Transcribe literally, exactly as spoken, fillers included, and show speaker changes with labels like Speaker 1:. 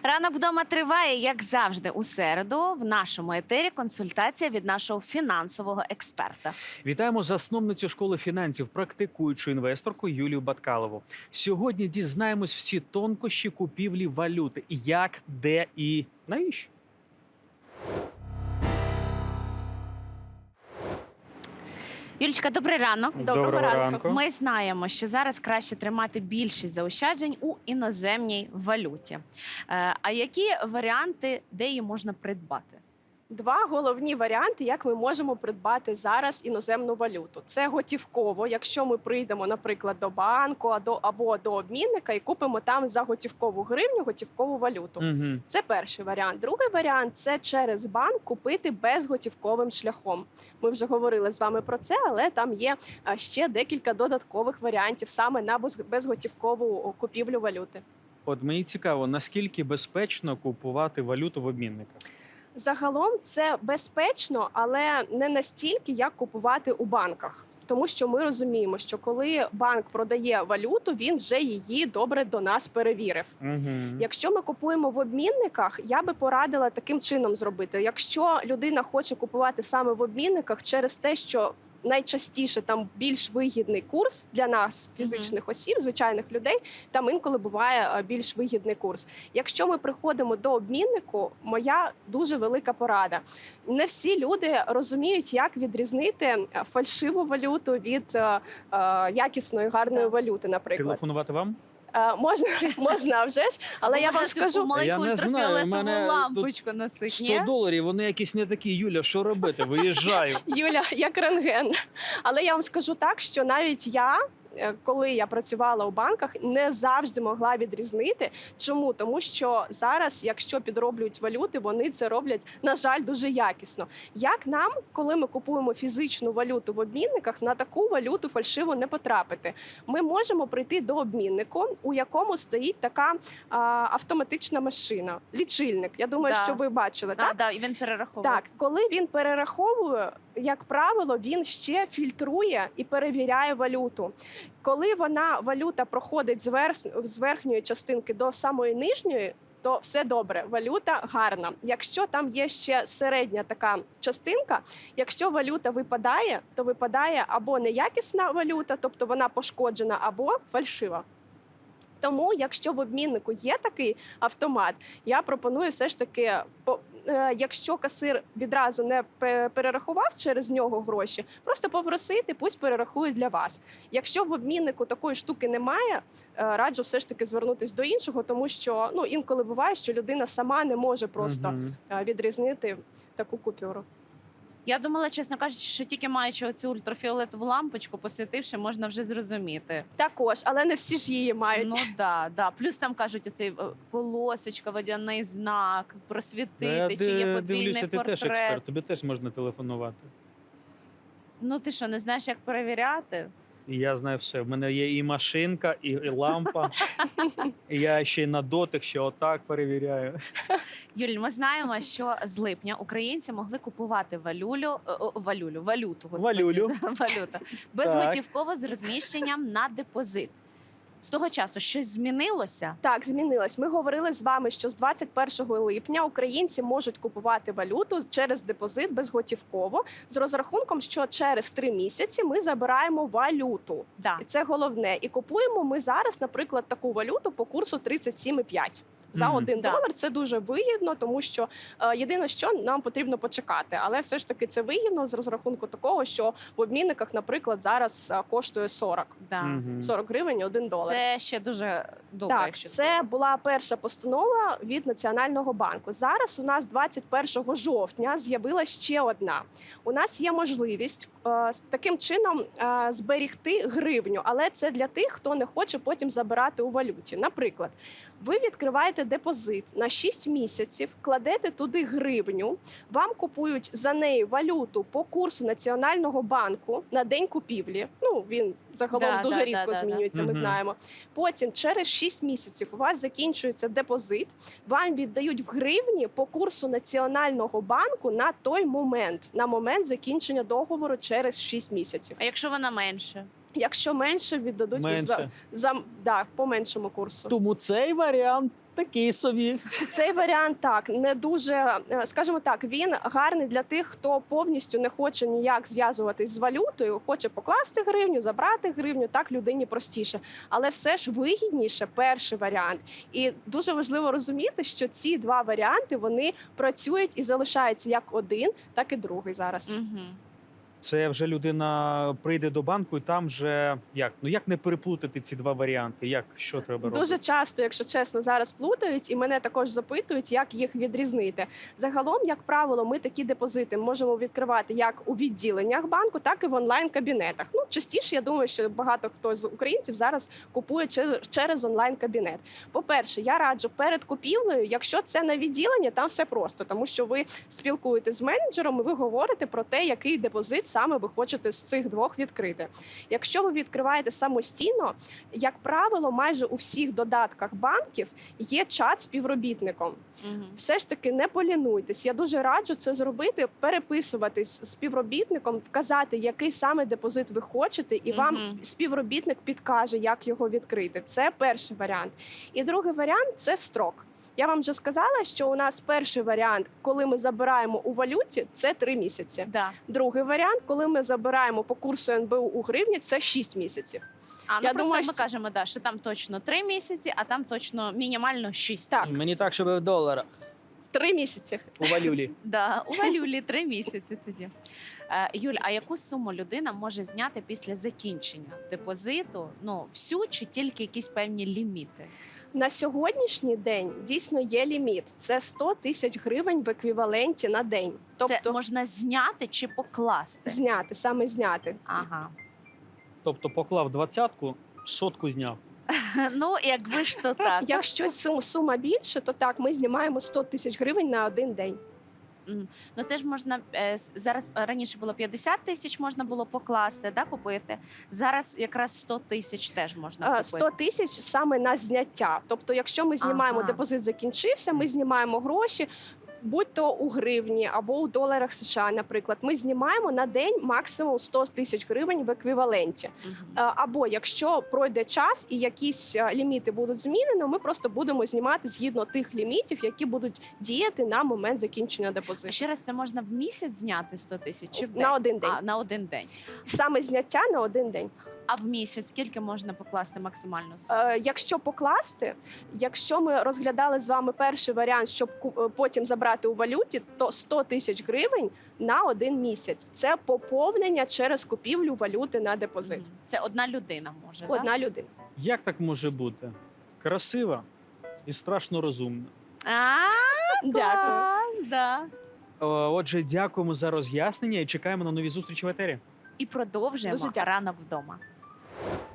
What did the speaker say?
Speaker 1: Ранок вдома триває, як завжди, у середу. В нашому етері консультація від нашого фінансового експерта.
Speaker 2: Вітаємо засновницю школи фінансів, практикуючу інвесторку Юлію Баткалову. Сьогодні дізнаємось всі тонкощі купівлі валюти. Як, де і навіщо?
Speaker 1: Юлічка, добрий ранок.
Speaker 2: Доброго ранку.
Speaker 1: Ми знаємо, що зараз краще тримати більшість заощаджень у іноземній валюті. Е, А які варіанти, де її можна придбати?
Speaker 3: Два головні варіанти, як ми можемо придбати зараз іноземну валюту. Це готівково, якщо ми прийдемо, наприклад, до банку або до обмінника і купимо там за готівкову гривню готівкову валюту.
Speaker 2: Угу.
Speaker 3: Це перший варіант. Другий варіант – це через банк купити безготівковим шляхом. Ми вже говорили з вами про це, але там є ще декілька додаткових варіантів саме на безготівкову купівлю валюти.
Speaker 2: От мені цікаво, наскільки безпечно купувати валюту в обмінниках?
Speaker 3: Загалом це безпечно, але не настільки, як купувати у банках. Тому що ми розуміємо, що коли банк продає валюту, він вже її добре до нас перевірив.
Speaker 2: Угу.
Speaker 3: Якщо ми купуємо в обмінниках, я би порадила таким чином зробити. Якщо людина хоче купувати саме в обмінниках через те, що найчастіше там більш вигідний курс для нас, фізичних осіб, звичайних людей, там інколи буває більш вигідний курс. Якщо ми приходимо до обміннику, моя дуже велика порада. Не всі люди розуміють, як відрізнити фальшиву валюту від е, е, якісної, гарної валюти, наприклад.
Speaker 2: Телефонувати вам?
Speaker 3: Е, можна, можна, а вже ж, але я вам скажу...
Speaker 1: Маленьку
Speaker 2: Я не знаю, у
Speaker 1: ультрафіолетову
Speaker 2: мене
Speaker 1: лампочку носить,
Speaker 2: сто
Speaker 1: ні?
Speaker 2: доларів, вони якісь не такі. Юля, що робити? Виїжджаю.
Speaker 3: Юля, як рентген. Але я вам скажу так, що навіть я, коли я працювала у банках, не завжди могла відрізнити. Чому? Тому що зараз, якщо підроблюють валюти, вони це роблять, на жаль, дуже якісно. Як нам, коли ми купуємо фізичну валюту в обмінниках, на таку валюту фальшиво не потрапити? Ми можемо прийти до обміннику, у якому стоїть така а, автоматична машина, лічильник. Я думаю,
Speaker 1: Да.
Speaker 3: що ви бачили,
Speaker 1: А,
Speaker 3: так?
Speaker 1: да, і він перераховує.
Speaker 3: Так, коли він перераховує, як правило, він ще фільтрує і перевіряє валюту. Коли вона, валюта проходить з, верх, з верхньої частинки до самої нижньої, то все добре, валюта гарна. Якщо там є ще середня така частинка, якщо валюта випадає, то випадає або неякісна валюта, тобто вона пошкоджена, або фальшива. Тому, якщо в обміннику є такий автомат, я пропоную все ж таки, якщо касир відразу не перерахував через нього гроші, просто попросити, пусть перерахують для вас. Якщо в обміннику такої штуки немає, раджу все ж таки звернутися до іншого, тому що ну, інколи буває, що людина сама не може просто
Speaker 2: Угу.
Speaker 3: відрізнити таку купюру.
Speaker 1: Я думала, чесно кажучи, що тільки маючи оцю ультрафіолетову лампочку, посвітивши, можна вже зрозуміти.
Speaker 3: Також, але не всі ж її мають.
Speaker 1: Ну да, да. Плюс там кажуть, оцей е, полосочка, водяний знак, просвітити, чи є подвійний
Speaker 2: дивлюся, ти теж
Speaker 1: портрет.
Speaker 2: експерт, тобі теж можна телефонувати.
Speaker 1: Ну ти що, не знаєш, як перевіряти?
Speaker 2: І я знаю все. В мене є і машинка, і, і лампа. І я ще й на дотик, ще отак перевіряю.
Speaker 1: Юль, ми знаємо, що з липня українці могли купувати валюлю, е, о, валюлю, валюту, господи,
Speaker 2: Валюлю.
Speaker 1: валюта, безготівково з розміщенням на депозит. З того часу щось змінилося?
Speaker 3: Так, змінилось. Ми говорили з вами, що з двадцять першого липня українці можуть купувати валюту через депозит безготівково з розрахунком, що через три місяці ми забираємо валюту.
Speaker 1: Да.
Speaker 3: І це головне. І купуємо ми зараз, наприклад, таку валюту по курсу тридцять сім і п'ять. За
Speaker 2: Мгм.
Speaker 3: один
Speaker 1: Да.
Speaker 3: долар це дуже вигідно, тому що е, єдине, що нам потрібно почекати. Але все ж таки це вигідно з розрахунку такого, що в обмінниках, наприклад, зараз е, коштує сорок.
Speaker 1: Да.
Speaker 2: Мгм.
Speaker 3: сорок гривень один долар.
Speaker 1: Це ще дуже добре,
Speaker 3: Так,
Speaker 1: якщо
Speaker 3: це була перша постанова від Національного банку. Зараз у нас двадцять першого жовтня з'явилася ще одна. У нас є можливість е, з таким чином е, зберігти гривню, але це для тих, хто не хоче потім забирати у валюті. Наприклад, ви відкриваєте депозит на шість місяців, кладете туди гривню, вам купують за неї валюту по курсу Національного банку на день купівлі. Ну, він загалом
Speaker 1: Да,
Speaker 3: дуже
Speaker 1: да,
Speaker 3: рідко
Speaker 1: да, да, да.
Speaker 3: змінюється, ми
Speaker 2: Мгм.
Speaker 3: знаємо. Потім через шість місяців у вас закінчується депозит, вам віддають в гривні по курсу Національного банку на той момент, на момент закінчення договору через шість місяців.
Speaker 1: А якщо вона менше?
Speaker 3: Якщо менше, віддадуть
Speaker 2: Менше.
Speaker 3: За, за да, по меншому курсу.
Speaker 2: Тому цей варіант Такий собі.
Speaker 3: Цей варіант так не дуже, е, скажімо так, він гарний для тих, хто повністю не хоче ніяк зв'язуватись з валютою, хоче покласти гривню, забрати гривню. Так людині простіше, але все ж вигідніше перший варіант. І дуже важливо розуміти, що ці два варіанти вони працюють і залишаються як один, так і другий зараз.
Speaker 1: Угу.
Speaker 2: Це вже людина прийде до банку, і там вже як? Ну як не переплутати ці два варіанти? Як що треба робити?
Speaker 3: Дуже часто, якщо чесно, зараз плутають, і мене також запитують, як їх відрізнити. Загалом, як правило, ми такі депозити можемо відкривати як у відділеннях банку, так і в онлайн-кабінетах. Ну, частіше, я думаю, що багато хто з українців зараз купує через, через онлайн-кабінет. По-перше, я раджу перед купівлею, якщо це на відділення, там все просто, тому що ви спілкуєтесь з менеджером, і ви говорите про те, який депозит саме ви хочете з цих двох відкрити. Якщо ви відкриваєте самостійно, як правило, майже у всіх додатках банків є чат з співробітником.
Speaker 1: Угу.
Speaker 3: Все ж таки не полінуйтесь. Я дуже раджу це зробити, переписуватись з співробітником, вказати, який саме депозит ви хочете, і вам
Speaker 1: Мгм.
Speaker 3: співробітник підкаже, як його відкрити. Це перший варіант. І другий варіант це строк. Я вам вже сказала, що у нас перший варіант, коли ми забираємо у валюті, це три місяці.
Speaker 1: Да.
Speaker 3: Другий варіант, коли ми забираємо по курсу ен бе у у гривні, це шість місяців.
Speaker 1: А ну
Speaker 3: Я
Speaker 1: просто
Speaker 3: думаю,
Speaker 1: ми
Speaker 3: що-
Speaker 1: кажемо, да, що там точно три місяці, а там точно мінімально шість
Speaker 3: Так.
Speaker 1: місяців.
Speaker 2: Мені так, щоб в доларах
Speaker 3: Три місяці.
Speaker 2: у валюлі.
Speaker 1: Да, у валюлі три місяці тоді. Е, Юль, а яку суму людина може зняти після закінчення депозиту? Ну, всю чи тільки якісь певні ліміти?
Speaker 3: На сьогоднішній день дійсно є ліміт. Це сто тисяч гривень в еквіваленті на день. Тобто
Speaker 1: Це можна зняти чи покласти?
Speaker 3: зняти, саме зняти.
Speaker 1: Ага.
Speaker 2: Тобто поклав двадцятку, сотку зняв.
Speaker 1: Ну, якби ж то так.
Speaker 3: Якщо сум- сума більше, то так, ми знімаємо сто тисяч гривень на один день.
Speaker 1: Ну це ж можна е, с- зараз е, раніше було п'ятдесят тисяч, можна було покласти, да, купити. Зараз якраз сто тисяч теж можна
Speaker 3: А,
Speaker 1: купити.
Speaker 3: сто тисяч саме на зняття. Тобто, якщо ми знімаємо
Speaker 1: Ага.
Speaker 3: депозит закінчився, ми знімаємо гроші, будь то у гривні або у доларах США, наприклад, ми знімаємо на день максимум сто тисяч гривень в еквіваленті.
Speaker 1: Мгм.
Speaker 3: Е, Або якщо пройде час і якісь е, ліміти будуть змінені, ми просто будемо знімати згідно тих лімітів, які будуть діяти на момент закінчення
Speaker 1: А
Speaker 3: депозиту.
Speaker 1: ще раз, це можна в місяць зняти сто тисяч чи в день?
Speaker 3: На один день.
Speaker 1: А, на один день.
Speaker 3: Саме зняття на один день.
Speaker 1: А в місяць скільки можна покласти максимальну суму?
Speaker 3: Е, Якщо покласти, якщо ми розглядали з вами перший варіант, щоб ку- е, потім забрати у валюті, то сто тисяч гривень на один місяць. Це поповнення через купівлю валюти на депозит.
Speaker 1: Мгм. Це одна людина може,
Speaker 3: Одна людина.
Speaker 2: Як так може бути? Красива і страшно розумна.
Speaker 1: да? А,
Speaker 3: Дякую.
Speaker 1: клас, да.
Speaker 2: О, Отже, дякуємо за роз'яснення і чекаємо на нові зустрічі в етері.
Speaker 1: І продовжуємо
Speaker 3: Дуже дякую.
Speaker 1: ранок вдома.